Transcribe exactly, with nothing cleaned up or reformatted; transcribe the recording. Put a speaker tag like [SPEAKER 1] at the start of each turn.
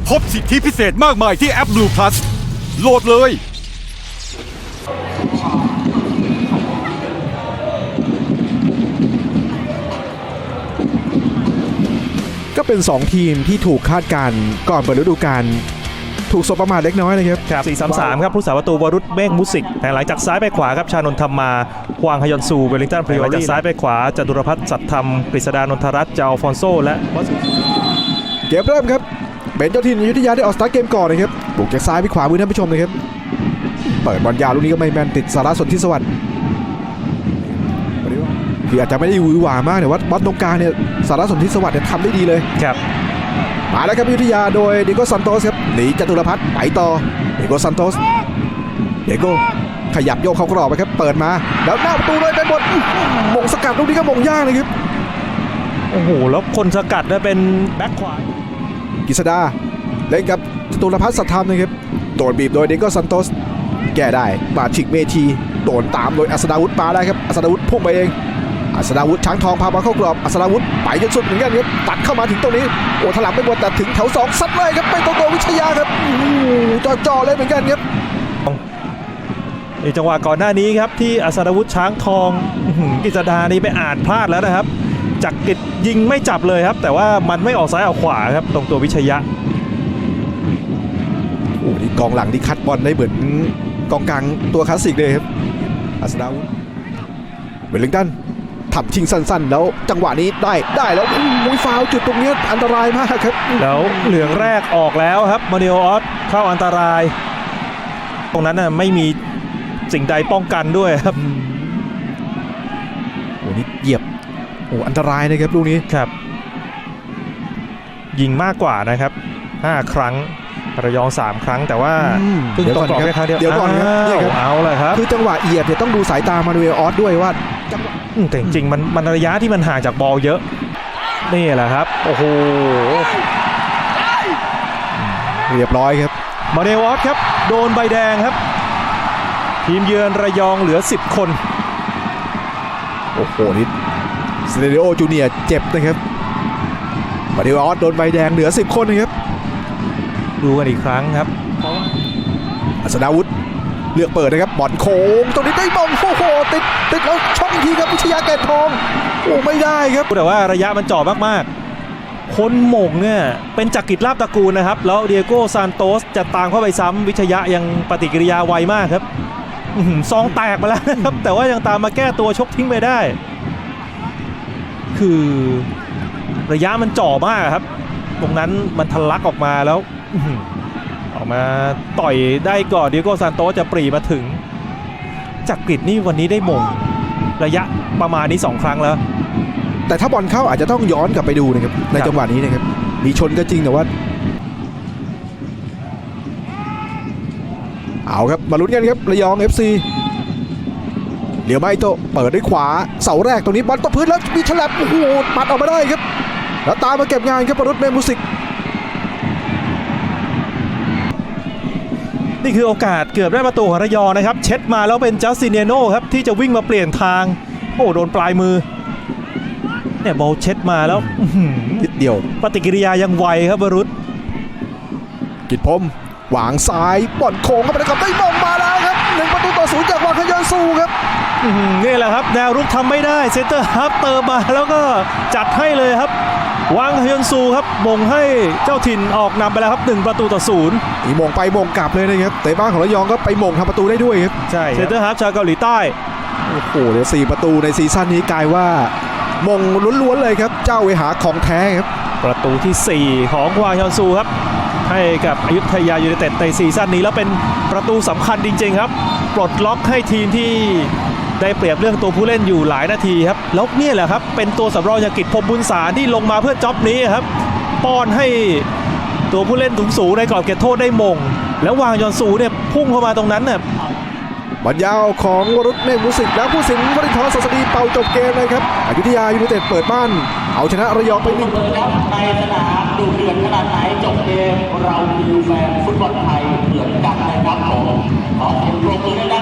[SPEAKER 1] พบสิทธิพิเศษมากมายที่แอป Blue Plus โหลดเลย
[SPEAKER 2] ก็เป็นสองทีมที่ถูกคาดการณ์ก่อนเปิดฤดูกาลถูกสบประมาทเล็กน้อยนะครับ
[SPEAKER 3] ครับสี่ สาม สามครับผู้สาประตูวรุษเมฆมุสิกแต่หลังจากซ้ายไปขวาครับชานนท์ธรรมาฮวางฮยอนซูเวลลิงตันพริโอจากซ้ายไปขวาจตุรพัฒน์สัตย์ธรรมกฤษดานนทรัตน์เจ้าฟอนโซและ
[SPEAKER 2] เกมเริ่มครับเป็นเจ้าถิ่นอยุธยาได้ออกสตาร์ทเกมก่อนนะครับบุกจากซ้ายไปขวามือท่านผู้ชมนะครับเปิดบอลยาวลูกนี้ก็ไม่แมนติดสารสนธิสวัสดิ์คืออาจจะไม่ได้หวือหวามากแต่ว่าบอลตรงกลางเนี่ยสารสนธิสวัสดิ์เนี่ยทำได้ดีเลย
[SPEAKER 3] ครับ
[SPEAKER 2] มาแล้วครับอยุธยาโดยดิโก้ซันโตสครับหนีจตุรพัฒน์ไปต่อดิโก้ซันโตสเดโก้ขยับโยกเข้ากรอบไปครับเปิดมาแล้วหน้าประตูเลยไปหมดมงสกัดลูกนี้ก็มงยากเลยครับ
[SPEAKER 3] โอ้โหแล้วคนสกัดได้เป็นแบ็คขวาก
[SPEAKER 2] ฤษดาเล่นกับจตุรพัฒน์สัตย์ธรรมนะครับโดนบีบโดยดิโก้ซันโตสแก้ได้มาฉิกเมทีโดนตามโดยอัศดาวุฒิมาได้ครับอัศดาวุฒิพุ่งไปเองอัศดาวุฒิช้างทองพาบอลเข้ากรอบอัศดาวุฒิไปจนสุดเหมือนกันครับตัดเข้ามาถึงตรงนี้โอ้ถลำไม่หมดแต่ถึงแถวสองซัดเลยครับไปตรงโกวิชยาครับจ่อๆเลยเหมือนกันครับ
[SPEAKER 3] ในจังหวะก่อนหน้านี้ครับที่อัศดาวุฒิช้างทองกฤษดานี่ไปอ่านพลาดแล้วนะครับจักริดยิงไม่จับเลยครับแต่ว่ามันไม่ออกซ้ายออกขวาครับตรงตัววิชยะ
[SPEAKER 2] โอ้นี่กองหลังที่คัดบอลได้เหมือนกองกลางตัวคลาสสิกเลยครับอัศดาวุฒิเวลลิงตันทำชิงสั้นๆแล้วจังหวะนี้ได้ได้แล้วมุ้ยฟาวจุดตรงนี้อันตรายมากครับ
[SPEAKER 3] แล้วเหลืองแรกออกแล้วครับมาริโอออสเข้าอันตรายตรงนั้นน่ะไม่มีสิ่งใดป้องกันด้วยครับ
[SPEAKER 2] โอ้นี่เหยียบโอ้อันตรายนะครับลูกนี้
[SPEAKER 3] ครับยิงมากกว่านะครับห้าครั้งระยองสามครั้งแต่ว่าเพิ่งตกกรอบแค่ครั้งเดียว
[SPEAKER 2] เดี๋ยวก่อนครับ
[SPEAKER 3] เอาเลยครับ
[SPEAKER 2] คือจังหวะเหยียบเนี่ยต้องดูสายตามาดูเอออสด้วยว่า
[SPEAKER 3] แต่จริงๆมันมันระยะที่มันห่างจากบอลเยอะนี่แหละครับโอ้โห
[SPEAKER 2] เรียบร้อยครับ
[SPEAKER 3] มาเนวอสครับโดนใบแดงครับทีมเยือนระยองเหลือสิบคน
[SPEAKER 2] โอ้โหนี่สเตดิโอจูเนียร์เจ็บนะครับมาเนวอสโดนใบแดงเหลือสิบคนนะครับ
[SPEAKER 3] ดูกันอีกครั้งครับ
[SPEAKER 2] อัศดาวุฒิเลือกเปิดนะครับบอลโค้งตรงนี้ได้บอลโอ้โหติดติดแล้วช่องทีครับวิชยาแก่นทองโอ้ไม่ได้ครับ
[SPEAKER 3] แต่ว่าระยะมันจ่อมากๆคนหม่งเนี่ยเป็นจักริดลาภตระกูลนะครับแล้วเดียโก้ซานโตสจะตามเข้าไปซ้ำวิชยะยังปฏิกิริยาไวมากครับซองแตกมาแล้วนะครับแต่ว่ายังตามมาแก้ตัวชกทิ้งไปได้คือระยะมันจ่อมากครับตรงนั้นมันทะลักออกมาแล้วออกมาต่อยได้ก่อนดิโก้ซานโตสจะปรีมาถึงจักริดนี่วันนี้ได้มงระยะประมาณนี้สองครั้งแล้ว
[SPEAKER 2] แต่ถ้าบอลเข้าอาจจะต้องย้อนกลับไปดูนะครับในจังหวะนี้นะครับมีชนก็จริงแต่ว่าเอาครับมาลุ้นกันครับระยอง เอฟ ซีเหลียวไมโตเปิดด้วยขวาเสาแรกตรงนี้บอลตกพื้นแล้วมีฉลับโอ้โหปัดออกมาได้ครับแล้วตามมาเก็บงานครับวรุษเมฆมุสิก
[SPEAKER 3] นี่คือโอกาสเกือบได้ประตูของระยองนะครับเช็ดมาแล้วเป็นจัสตินเนโน่ครับที่จะวิ่งมาเปลี่ยนทางโอ้โดนปลายมือเนี่ยบอลเช็ดมาแล้ว
[SPEAKER 2] นิดเดียว
[SPEAKER 3] ปฏิกิริยายังไวครับวรุษ
[SPEAKER 2] กิจพรมหวางซ้ายบอลโค้งเข้าไปกับได้บอลมาแล้วครับหนึ่งประตูต่อศูนย์จากวางขยอนซูครับ
[SPEAKER 3] นี่แหละครับแนวรุกทำไม่ได้เซนเตอร์ฮาล์ฟเติมมาแล้วก็จัดให้เลยครับวางฮยอนซูครับมงให้เจ้าถิ่นออกนำไปแล้วครับหนึ่งประตูต่อศูนย์
[SPEAKER 2] อีมงไปมงกลับเลยนะครับแต่บ้านของระยองก็ไปมงทำประตูได้ด้วยครับ
[SPEAKER 3] ใช่เซนเตอร์ฮาล์ฟชาวเกาหลีใต้
[SPEAKER 2] โอ้โหเดี๋ยวสี่ประตูในซีซั่นนี้กลายว่ามงล้วนๆเลยครับเจ้าเวหาของแท้ครับ
[SPEAKER 3] ประตูที่สี่ของวางฮยอนซูครับให้กับอยุธยายูไนเต็ดในซีซั่นนี้แล้วเป็นประตูสำคัญจริงๆครับปลดล็อกให้ทีมที่ได้เปรียบเรื่องตัวผู้เล่นอยู่หลายนาทีครับแล้วนี่แหละครับเป็นตัวสำรองอย่างกิจพรหมบุญสารที่ลงมาเพื่อจ็อบนี้ครับป้อนให้ตัวผู้เล่นสูงๆในกรอบเขตโทษได้มงแล้ววางยอนซูเนี่ยพุ่งเข้ามาตรงนั้นเนี่ย
[SPEAKER 2] บอลยาวของวรุษเมฆมุสิกแล้วผู้สินวรินทร์ศาสดีเป่าจบเกมเลยครับอยุธยายูไนเต็ดเปิดบ้านเอาชนะระยองไปหนึ่ง
[SPEAKER 4] ในสนามดูเดือดขนาดไหนจบเกมเราคือแฟนฟุตบอลไทยเหมือนกันนะครับผมขอเสียงปรบมือ